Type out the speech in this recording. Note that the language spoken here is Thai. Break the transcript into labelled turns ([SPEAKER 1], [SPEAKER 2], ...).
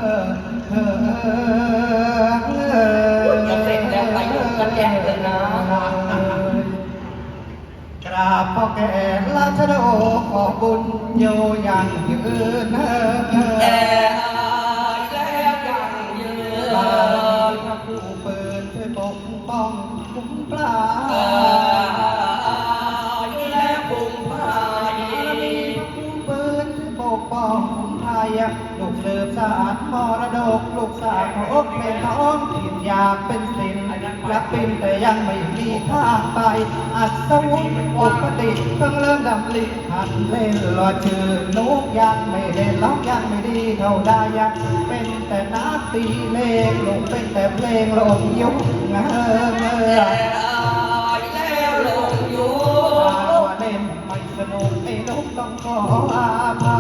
[SPEAKER 1] จะเสร็จแล้วไปยุ่งกันแย่เลยนะ
[SPEAKER 2] กราบพ่อแก่ราชโดขอบุญโยยังยืน
[SPEAKER 1] แต่แล้วยังยืน
[SPEAKER 2] พระผู้เปิดช่วยปกป้องคุ้มปลา
[SPEAKER 1] และภูมิภา
[SPEAKER 2] ผู้เปิดช่วยปกป้องคุ้มไทยลูกเสือสารมรดกลูกสาวอกเป็นท้องถิ่นอยากเป็นศิลป์รักเป็นแต่ยังไม่มีทางไปอัศวุธปกติเพิ่งเริ่มดำลิหัดเล่นรอชื่อนกยังไม่เล่นร้องยังไม่ดีเท่าได้ยังเป็นแต่นักตีเลงลงเป็นแต่เพลงลงยุค
[SPEAKER 1] แล้วลงยุค
[SPEAKER 2] เล่นไม่สนุกไอ้นกต้องขออาภั